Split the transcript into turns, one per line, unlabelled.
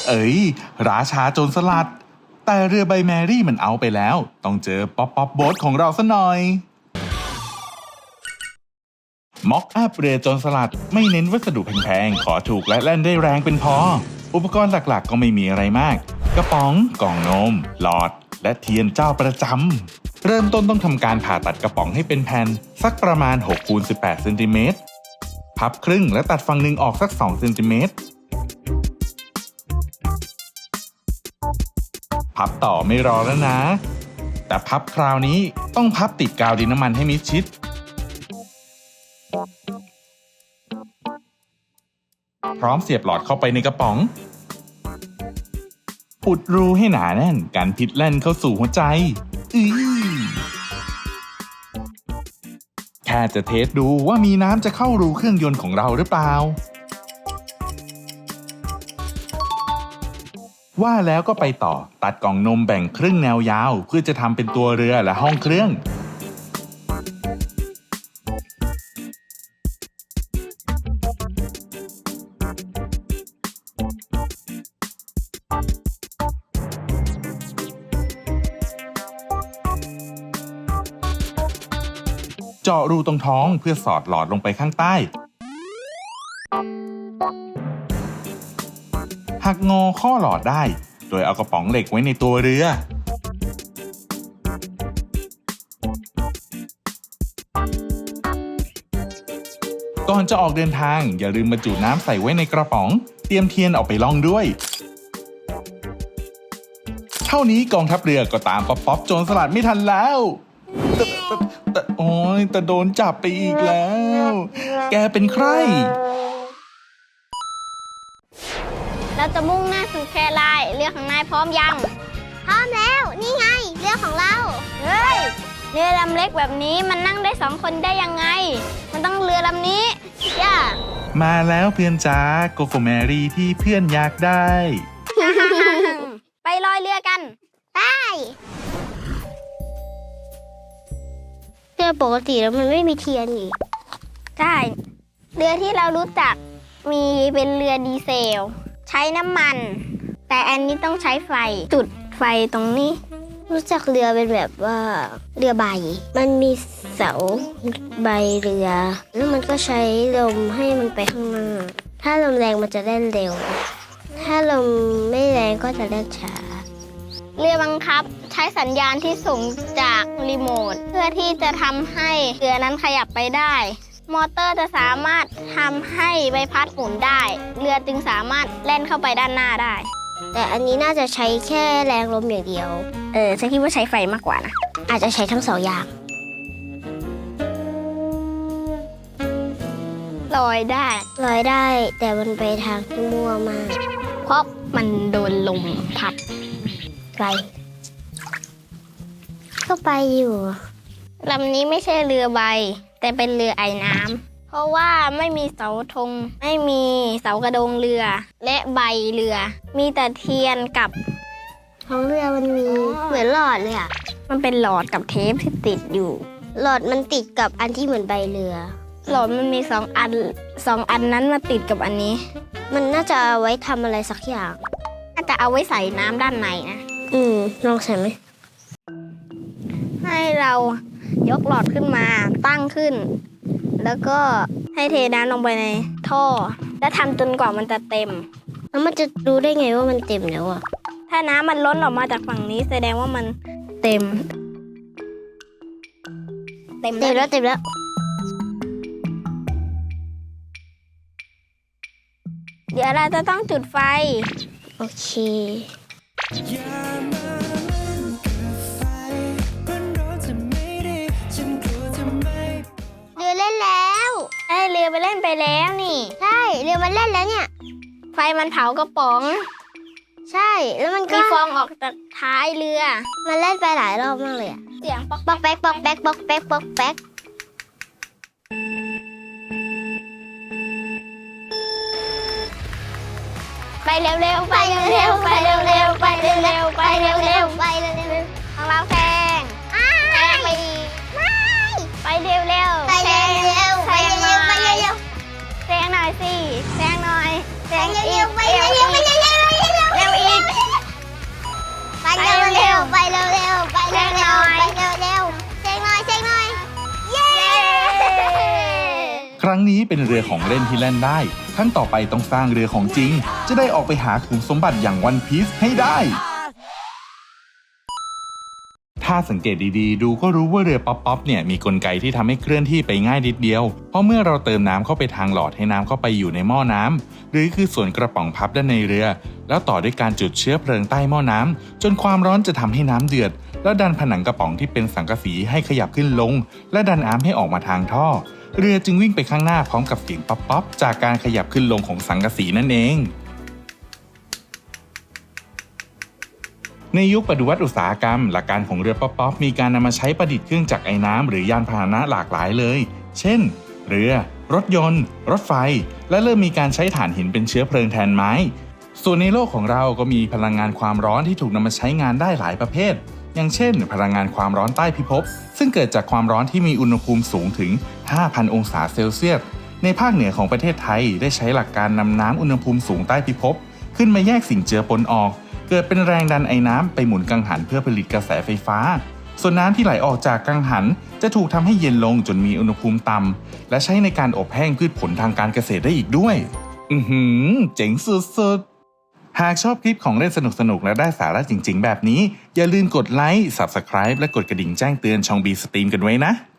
เอ้ยราชาโจรสลัดแต่เรือใบแมรี่มันเอาไปแล้วต้องเจอป๊อปโบ๊ทของเราซะหน่อยม็อกอัพเรือโจรสลัดไม่เน้นวัสดุแพงๆขอถูกและแล่นได้แรงเป็นพออุปกรณ์หลักๆก็ไม่มีอะไรมากกระป๋องกล่องนมหลอดและเทียนเจ้าประจำเริ่มต้นต้องทำการผ่าตัดกระป๋องให้เป็นแผ่นสักประมาณ6 คูณ 18 เซนติเมตรพับครึ่งและตัดฝั่งหนึ่งออกสัก2 เซนติเมตรพับต่อไม่รอแล้วนะแต่พับคราวนี้ต้องพับติดกาวดินน้ำมันให้มิดชิดพร้อมเสียบหลอดเข้าไปในกระป๋องอุดรูให้หนาแน่นกันพิษแล่นเข้าสู่หัวใจแค่จะเทสดูว่ามีน้ำจะเข้ารูเครื่องยนต์ของเราหรือเปล่าว่าแล้วก็ไปต่อตัดกล่องนมแบ่งครึ่งแนวยาวเพื่อจะทำเป็นตัวเรือและห้องเครื่องเจาะรูตรงท้องเพื่อสอดหลอดลงไปข้างใต้หักงอข้อหลอดได้โดยเอากระป๋องเหล็กไว้ในตัวเรือก่อนจะออกเดินทางอย่าลืมบรรจุน้ำใส่ไว้ในกระป๋องเตรียมเทียนออกไปล่องด้วยเท่านี้กองทัพเรือก็ตามป๊อปโจรสลัดไม่ทันแล้วแต่โดนจับไปอีกแล้วแกเป็นใคร
เราจะมุ่งหน้าสู่แคไลน์เรือของนายพร้อมยังพร้อมแล้วนี่ไงเรือของเราเฮ้ยเรือลำเล็กแบบนี้มันนั่งได้2 คนได้ยังไงมันต้องเรือลำนี้ย่า
มาแล้วเพื่อนจ้าโกโกแมรี่ที่เพื่อนอยากได้
ไปลอยเรือกันไปเรือปกติแล้วมันไม่มีเทียนอีกใช่เรือที่เรารู้จักมีเป็นเรือดีเซลใช้น้ำมันแต่อันนี้ต้องใช้ไฟจุดไฟตรงนี้รู้จักเรือเป็นแบบว่าเรือใบมันมีเสาใบเรือแล้วมันก็ใช้ลมให้มันไปข้างหน้าถ้าลมแรงมันจะเล่นเร็วถ้าลมไม่แรงก็จะเล่นช้าเรือบังคับใช้สัญญาณที่ส่งจากรีโมทเพื่อที่จะทำให้เรือนั้นขยับไปได้มอเตอร์จะสามารถทำให้ใบพัดหมุนได้เรือจึงสามารถแล่นเข้าไปด้านหน้าได้แต่อันนี้น่าจะใช้แค่แรงลมอย่างเดียวฉันคิดว่าใช้ไฟมากกว่านะอาจจะใช้ทั้ง2 อย่างลอยได้แต่มันไปทางที่มั่วมากเพราะมันโดนลมพัดไกลก็ไปอยู่ลำนี้ไม่ใช่เรือใบแต่เป็นเรือไอน้ำเพราะว่าไม่มีเสาธงไม่มีเสากระโดงเรือและใบเรือมีแต่เทียนกับของเรือมันมีเหมือนหลอดเลยอ่ะมันเป็นหลอดกับเทปที่ติดอยู่หลอดมันติดกับอันที่เหมือนใบเรือหลอดมันมี2 อันนั้นมาติดกับอันนี้มันน่าจะเอาไว้ทำอะไรสักอย่างน่าจะเอาไว้ใส่น้ำด้านในนะลองใส่ไหมให้เรายกหลอดขึ้นมาตั้งขึ้นแล้วก็ให้เทน้ำลงไปในท่อแล้วทำจนกว่ามันจะเต็มแล้วมันจะรู้ได้ไงว่ามันเต็มแล้วอ่ะถ้าน้ำมันล้นออกมาจากฝั่งนี้แสดงว่ามันเต็มแล้วเดี๋ยวเราจะต้องจุดไฟโอเคเรือเล่นแล้วเรือไปเล่นไปแล้วนี่ใช่เรือมันเล่นแล้วเนี่ยไฟมันเผากระป๋องใช่แล้วมันก็มีฟองออกจากท้ายเรือมันเล่นไปหลายรอบมากเลยอะเสียงป๊อกป๊อกแป๊กป๊อกแป๊กป๊อกแป๊กป๊อกแป๊กไปเร็วๆไปเร็วๆไปเร็วๆไปเร็วๆไปเร็วๆไปเร็วๆของเราแซงไปอีกไปเร็วๆไปเร็วๆไปเร็วๆไปเร็วๆแซงหน่อยสิแซงหน่อยแซงเร็วๆไปเร็วๆไปเร็วๆไปเร็วๆ
รั้งนี้เป็นเรือของเล่นที่เล่นได้ครั้งต่อไปต้องสร้างเรือของจริงจะได้ออกไปหาขุมสมบัติอย่างวันพีซให้ได้ถ้าสังเกตดีๆดูก็รู้ว่าเรือป๊อปเนี่ยมีกลไกที่ทำให้เคลื่อนที่ไปง่ายนิดเดียวเพราะเมื่อเราเติมน้ำเข้าไปทางหลอดให้น้ำเข้าไปอยู่ในหม้อน้ำหรือคือส่วนกระป๋องพับด้านในเรือแล้วต่อด้วยการจุดเชื้อเพลิงใต้หม้อน้ำจนความร้อนจะทำให้น้ำเดือดแล้วดันผนังกระป๋องที่เป็นสังกะสีให้ขยับขึ้นลงและดันน้ำให้ออกมาทางท่อเรือจึงวิ่งไปข้างหน้าพร้อมกับเสียงป๊อปจากการขยับขึ้นลงของสังกะสีนั่นเองในยุคปฏิวัติอุตสาหกรรมหลักการของเรือป๊อปมีการนำมาใช้ประดิษฐ์เครื่องจักรไอ้น้ำหรือยานพาหนะหลากหลายเลยเช่นเรือรถยนต์รถไฟและเริ่มมีการใช้ถ่านหินเป็นเชื้อเพลิงแทนไม้ส่วนในโลกของเราก็มีพลังงานความร้อนที่ถูกนำมาใช้งานได้หลายประเภทอย่างเช่นพลังงานความร้อนใต้พิภพซึ่งเกิดจากความร้อนที่มีอุณหภูมิสูงถึง 5,000 องศาเซลเซียสในภาคเหนือของประเทศไทยได้ใช้หลักการนำน้ำอุณหภูมิสูงใต้พิภพขึ้นมาแยกสิ่งเจือปนออกเกิดเป็นแรงดันไอ้น้ำไปหมุนกังหันเพื่อผลิตกระแสไฟฟ้าส่วนน้ำที่ไหลออกจากกังหันจะถูกทำให้เย็นลงจนมีอุณหภูมิต่ำและใช้ในการอบแห้งพืชผลทางการเกษตรได้อีกด้วยเจ๋งสุดๆหากชอบคลิปของเล่นสนุกๆและได้สาระจริงๆแบบนี้อย่าลืมกดไลค์ Subscribe และกดกระดิ่งแจ้งเตือนช่อง B Stream กันไว้นะ